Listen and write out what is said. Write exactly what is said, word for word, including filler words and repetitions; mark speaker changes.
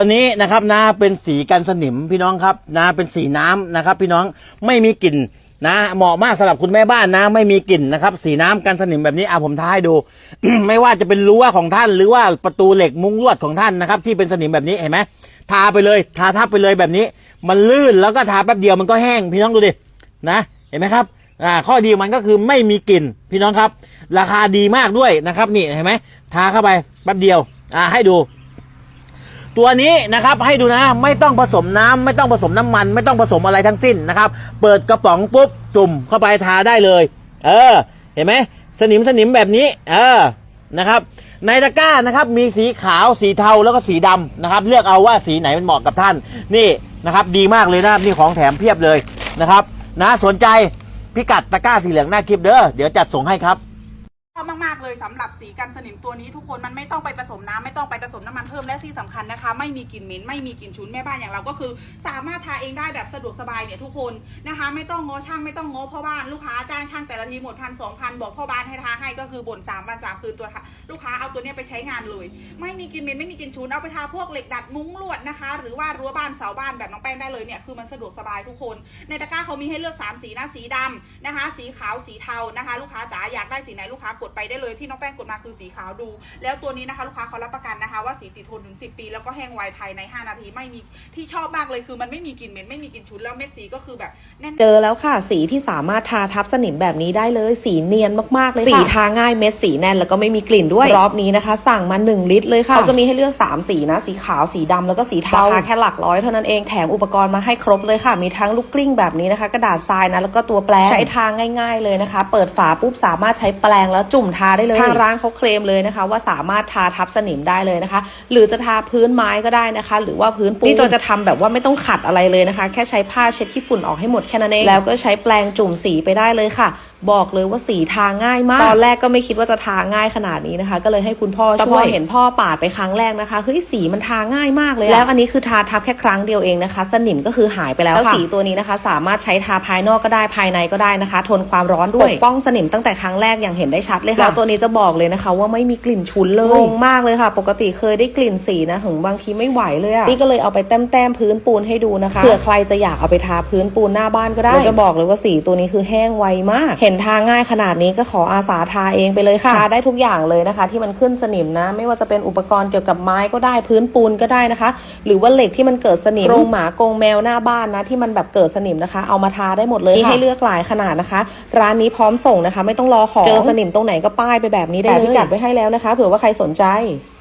Speaker 1: ตัวนี้นะครับนะเป็นสีกันสนิมพี่น้องครับนะเป็นสีน้ำนะครับพี่น้องไม่มีกลิ่นนะเหมาะมากสำหรับคุณแม่บ้านนะไม่มีกลิ่นนะครับสีน้ำกันสนิมแบบนี้อ่ะผมท้าให้ดู ไม่ว่าจะเป็นรั้วของท่านหรือว่าประตูเหล็กมุ้งลวดของท่านนะครับที่เป็นสนิมแบบนี้เห็นไหมทาไปเลยทาทับไปเลยแบบนี้มันลื่นแล้วก็ทาแป๊บเดียวมันก็แห้งพี่น้องดูดินะเห็นไหมครับอ่าข้อดีมันก็คือไม่มีกลิ่นพี่น้องครับราคาดีมากด้วยนะครับนี่เห็นไหมทาเข้าไปแป๊บเดียวอ่าให้ดูตัวนี้นะครับให้ดูนะไม่ต้องผสมน้ำไม่ต้องผสมน้ำมันไม่ต้องผสมอะไรทั้งสิ้นนะครับเปิดกระป๋องปุ๊บจุ่มเข้าไปทาได้เลยเออเห็นไหมสนิมสนิมแบบนี้เออนะครับในตะกร้านะครับมีสีขาวสีเทาแล้วก็สีดำนะครับเลือกเอาว่าสีไหนมันเหมาะกับท่านนี่นะครับดีมากเลยนะนี่ของแถมเพียบเลยนะครับนะสนใจพิกัดตะกร้าสีเหลืองหน้าคลิปเด้อเดี๋ยวจัดส่งให้ครับ
Speaker 2: ชอบมากๆเลยสำหรับสีกันสนิมตัวนี้ทุกคนมันไม่ต้องไปผสมน้ำไม่ต้องไปผสมน้ำมันเพิ่มและที่สำคัญนะคะไม่มีกลิ่นเหม็นไม่มีกลิ่นฉุนแม่บ้านอย่างเราก็คือสามารถทาเองได้แบบสะดวกสบายเนี่ยทุกคนนะคะไม่ต้องง้อช่างไม่ต้องง้อพ่อบ้านลูกค้าจ้างช่างแต่ละทีหมดพันสองพันบอกพ่อบ้านให้ทาให้ก็คือบ่นสามวันสามคืนตัวลูกค้าเอาตัวนี้ไปใช้งานเลยไม่มีกลิ่นเหม็นไม่มีกลิ่นฉุนเอาไปทาพวกเหล็กดัดมุ้งลวดนะคะหรือว่ารั้วบ้านเสาบ้านแบบน้องแป้งได้เลยเนี่ยคือมันสะดวกสบายทุกคนในตะกร้าเขามีให้เลือกสามสีนะสีดำนะคะสีขาวสีเทานะคะลูกค้าจ๋าอยากได้สีไหนลูกค้ากดไปได้เลยที่น้องแป้งกดมาคือสีขาวดูแล้วตัวนี้นะคะลูกค้าเขารับประกันนะคะว่าสีติดทนถึงสิบปีแล้วก็แห้งไวภายในห้านาทีไม่มีที่ชอบมากเลยคือมันไม่มีกลิ่นเหม็นไม่มีกลิ่นฉุนแล้วเม็ดสีก็คือแบบแน่น
Speaker 3: เจอแล้วค่ะสีที่สามารถทาทับสนิมแบบนี้ได้เลยสีเนียนมากๆเลยค่ะสีทาง่ายเม็ดสีแน่นแล้วก็ไม่มีกลิ่นด้วยรอบนี้นะคะสั่งมาหนึ่งลิตรเลยค่ะเขาจะมีให้เลือกสามสีนะสีขาวสีดำแล้วก็สีเทาราคาแค่หลักร้อยเท่านั้นเองแถมอุปกรณ์มาให้ครบเลยค่ะมีทั้งลูกกลิ้งแบบนี้นะคะกระดาษทรายนะแล้วก็ตัวแปรงใช้ทาง่ายๆเลยนะคะเปิดฝาปุ๊บสามารถใช้แปรงแล้วจุ่มทาได้เลยทางร้านเขาเคลมเลยนะคะว่าสามารถทาทับสนิมได้เลยนะคะหรือจะทาพื้นไม้ก็ได้นะคะหรือว่าพื้นปูนนี่จนจะทำแบบว่าไม่ต้องขัดอะไรเลยนะคะแค่ใช้ผ้าเช็ดขี้ฝุ่นออกให้หมดแค่นั้นเองแล้วก็ใช้แปรงจุ่มสีไปได้เลยค่ะบอกเลยว่าสีทาง่ายมากตอนแรกก็ไม่คิดว่าจะทาง่ายขนาดนี้นะคะก็เลยให้คุณพ่อช่วยแต่พอเห็นพ่อปาดไปครั้งแรกนะคะเฮ้ยสีมันทาง่ายมากเลยแล้วอันนี้คือทาทับแค่ครั้งเดียวเองนะคะสนิมก็คือหายไปแล้วค่ะแล้วสีตัวนี้นะคะสามารถใช้ทาภายนอกก็ได้ภายในก็ได้นะคะทนความร้อนด้วยปกป้องสนิมตั้งแต่ครั้งแรกอย่างเห็นได้ชัดเลยค่ะแล้วตัวนี้จะบอกเลยนะคะว่าไม่มีกลิ่นฉุนเลยงงมากเลยค่ะปกติเคยได้กลิ่นสีนะถึงบางทีไม่ไหวเลยอ่ะนี่ก็เลยเอาไปแต้มแต้มพื้นปูนให้ดูนะคะเผื่อใครจะอยากเอาไปทาพื้นปูนหน้าบ้านก็ได้แล้วจะบอกเลยว่าสีตัวนี้คือแห้งไวมากเห็นทาง่ายขนาดนี้ก็ขออาสาทาเองไปเลยค่ะทาได้ทุกอย่างเลยนะคะที่มันขึ้นสนิมนะไม่ว่าจะเป็นอุปกรณ์เกี่ยวกับไม้ก็ได้พื้นปูนก็ได้นะคะหรือว่าเหล็กที่มันเกิดสนิมกรงหมากรงแมวหน้าบ้านนะที่มันแบบเกิดสนิมนะคะเอามาทาได้หมดเลยให้เลือกหลายขนาดนะคะร้านนี้พร้อมส่งนะคะไม่ต้องรอของเจอสนิมตรงไหนก็ป้ายไปแบบนี้ได้เลยพิกัดไว้ให้แล้วนะคะเผื่อว่าใครสนใจ